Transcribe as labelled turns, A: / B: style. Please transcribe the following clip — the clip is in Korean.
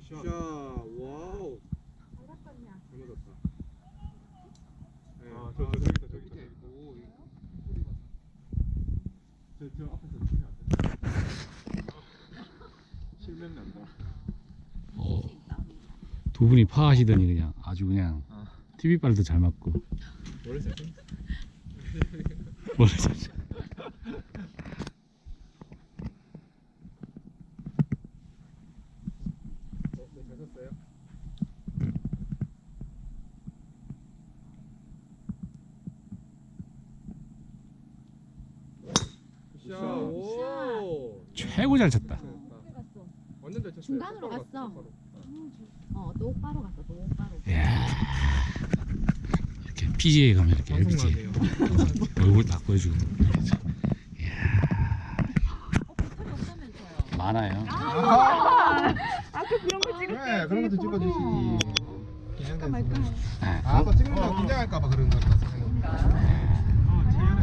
A: 샷. 와우. 잘 맞았다. 네. 저기 있다. 오, 저 앞에서 치면 안 돼. 실명 난다.
B: 두 분이 파하시더니 그냥 아주 그냥 TV빨도 잘 맞고
A: 원래 잘
B: 원래 잘
A: 쳤어요? 샷. 오.
B: 최고 잘 쳤다.
A: 완전 잘 쳤어요.
C: 중간으로
A: 똑바로
C: 갔어.
A: 똑바로.
C: 똑바로 갔어. 똑바로.
B: 이야. 이렇게 PGA 가면 이렇게 LPG
A: 방송하네요.
B: 얼굴 딱 보여주고 이야
C: 배터리 없다면서요.
B: 많아요.
C: 아까 그런 거 찍을
D: 그래 그런 것도 찍어주시지.
C: 말까?
B: 네.
D: 아, 또 찍는 거 긴장할까봐 그런 것 같아서.